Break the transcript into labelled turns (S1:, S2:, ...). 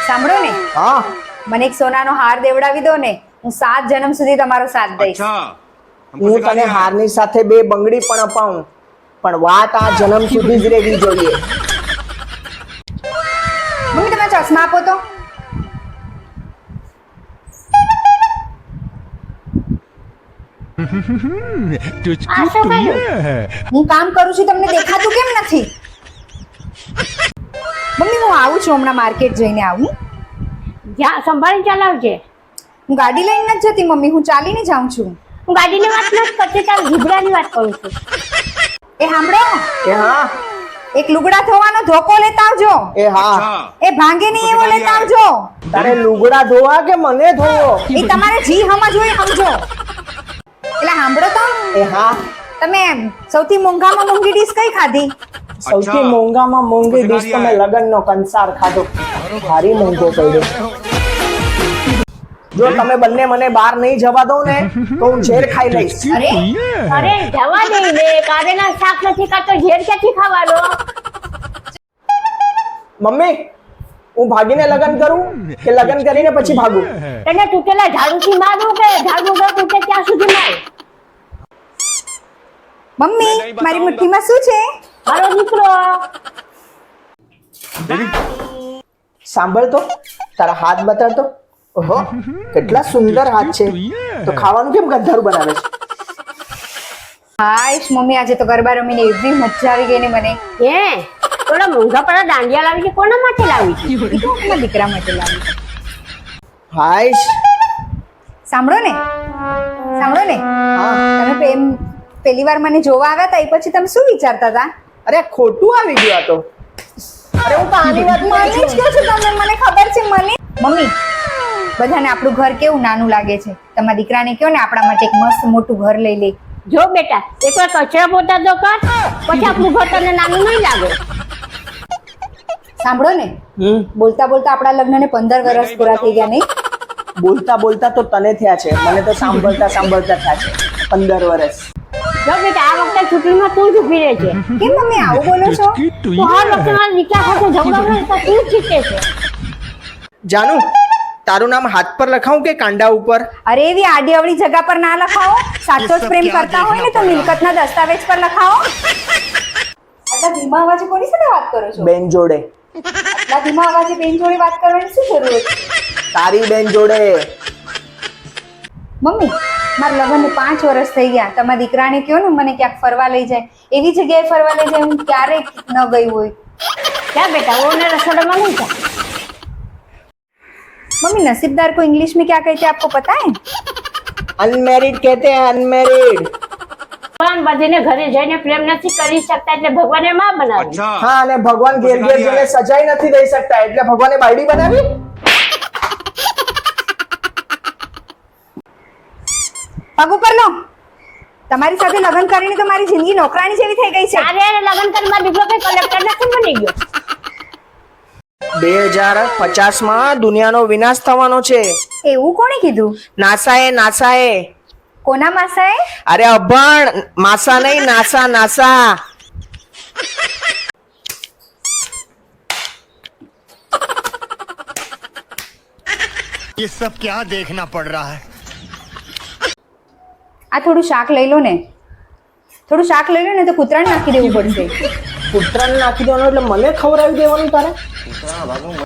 S1: સાંભળો ને,
S2: હા
S1: મને એક સોનાનો હાર દેવડાવી દો ને, હું 7 જન્મ સુધી તમારો સાથ દઈશ.
S2: હું તને હારની સાથે 2 બંગડી પણ અપાવું, પણ વાત આ જન્મ સુધી જ રહેવી જોઈએ.
S1: મમ્મી તમે ચશ્મા આપો તો. હું કામ કરું છું, તમને દેખાતું કેમ નથી? મમ્મી હું આવું છું, હમણાં માર્કેટ જઈને આવું.
S3: જ્યાં સંભાળી ચલાવજે.
S1: હું ગાડી લઈને નથી જતી મમ્મી, હું ચાલીને જાઉં છું.
S3: હું ગાડીની વાત નથી કરતી, તાર ઝીબ્રાની વાત કરું છું.
S1: એ સાંભળો,
S2: એ હા
S1: એક લુગડા ધોવાનો ધોકો લેતા આવજો.
S2: એ હા
S1: એ ભાંગે નહીં એવો લેતા આવજો.
S2: તારે લુગડા ધોવા કે મને ધોવો?
S1: એ તમારે જી સમજ હોય સમજો. એટલે સાંભળો તો,
S2: એ હા
S1: તમે સૌથી મોંઘામાં મોંઘી ડીશ કઈ ખાધી?
S2: સૌથી મોંઘામાં મોંઘી ડીશ તો મેં લગનનો કંસાર ખાધો. ભારી મોંઘો પડ્યો. જો તમે બંને મને બહાર નહીં જવા દો ને તો હું ઝેર ખાઈ લઈશ.
S3: અરે જવા દે ને, કારેલા શાક નથી ખાતો, ઝેર ક્યાંથી ખાવાનો?
S2: મમ્મી હું ભાગીને લગન કરું કે લગન કરીને પછી ભાગું?
S3: તને તૂટેલા ઝાડુથી મારું કે ઝાડુ ન તૂટે ત્યાં સુધી માર.
S1: મમ્મી મારી મુઠ્ઠીમાં શું છે?
S3: મારો દીકરો.
S2: સાંભળ તો, તારા હાથ બતાડતો. ઓહો કેટલા સુંદર હાથ છે. તો ખાવાનું કેમ ગંધારું બનાવે છે?
S1: હાય મમ્મી, આજે તો ગરબા રમીને એવી મજા આવી ગઈ ને મને.
S3: હે થોડા મોંઘા પડા દાંડિયા લાવી છે, કોના માટે લાવી છે?
S1: એ તો મારા દીકરા માટે લાવી.
S2: હાય
S1: સાંભળો ને, સાંભળો ને, તમે પહેલી વાર મને જોવા આવ્યા હતા એ પછી તમે શું વિચારતા હતા?
S2: અરે ખોટું આવી ગયું આ તો. અરે હું તો આની વાત
S1: મને જ કહો છો તમે, મને ખબર છે. મને મમ્મી બધાને આપણું ઘર કેવું નાનું લાગે છે. તમારા દીકરાને કહો ને આપણા માટે એક મસ્ત મોટું ઘર લઈ લે.
S3: જો બેટા એકવાર કચરા પોતા તો કર, પછી આપણું ઘર તને નાનું નહીં લાગે.
S1: સાંભળો ને, બોલતા બોલતા આપણા લગ્નને 15 વર્ષ પૂરા થઈ ગયા નહીં?
S2: બોલતા બોલતા તો તને થયા છે, મને તો સાંભળતા સાંભળતા થયા છે 15 વર્ષ.
S3: જો બેટા આ વખતે ચૂંટણીમાં તું જ ઊભી રહે છે.
S1: કેમ મમ્મી આવું બોલો છો?
S3: તું હર વખતે મારા દીકરા સાથે ઝઘડો તો તું જ જીતે છે.
S2: જાનુ તારું નામ હાથ પર લખાવું કે કાંડા ઉપર?
S1: અરે એવી આડી અવળી જગા પર ના લખાવો. સાચો જ પ્રેમ કરતા હોય ને તો મિલકતના દસ્તાવેજ પર લખાવો. આટલા ધીમા અવાજે કોની સાથે વાત કરો છો?
S2: બેન જોડે.
S1: આટલા ધીમા અવાજે બેન જોડે વાત કરવાની શું જરૂર હતી?
S2: તારી બેન જોડે.
S1: મમ્મી મારા લગ્નને 5 વર્ષ થઈ ગયા. તમારા દીકરાને કહો ને મને ક્યાંક ફરવા લઈ જાય. એવી જગ્યાએ ફરવા લઈ જાય હું ક્યારેય ન ગઈ હોય.
S3: क्या बेटा वो ने रसोड़ा में नहीं था?
S1: मम्मी नसीबदार को इंग्लिश में क्या कहते हैं आपको पता है?
S2: અનમેરિડ કહેતે હૈ, અનમેરિડ.
S3: ભગવાન બધીને ઘરે જઈને પ્રેમ નથી કરી શકતા એટલે ભગવાને માં બનાવી.
S2: હા અને ભગવાન ઘેર ઘેર જઈને સજાઈ નથી દઈ શકતા એટલે ભગવાને બાયડી બનાવી.
S1: પગ ઉપર લો. તમારી સાથે લગ્ન કરીને તો મારી જિંદગી નોકરાણી જેવી થઈ ગઈ છે.
S3: અરે લગ્ન કરવા દીકરો કઈ કલેક્ટર નથી બની ગયો.
S2: 2050 માં દુનિયાનો વિનાશ થવાનો છે.
S1: એવું કોણે કીધું?
S2: નાસાએ.
S1: કોના માસાએ?
S2: અરે અભણ, માસા નહીં, નાસા.
S4: ये सब क्या देखना पड़ रहा है?
S1: આ થોડું શાક લઈ લો ને. થોડું શાક લઈ લો ને તો કૂતરાને નાખી દેવું પડશે.
S2: પુત્રને નાખી દેવાનું એટલે મને ખવડાવી દેવાનું તારે?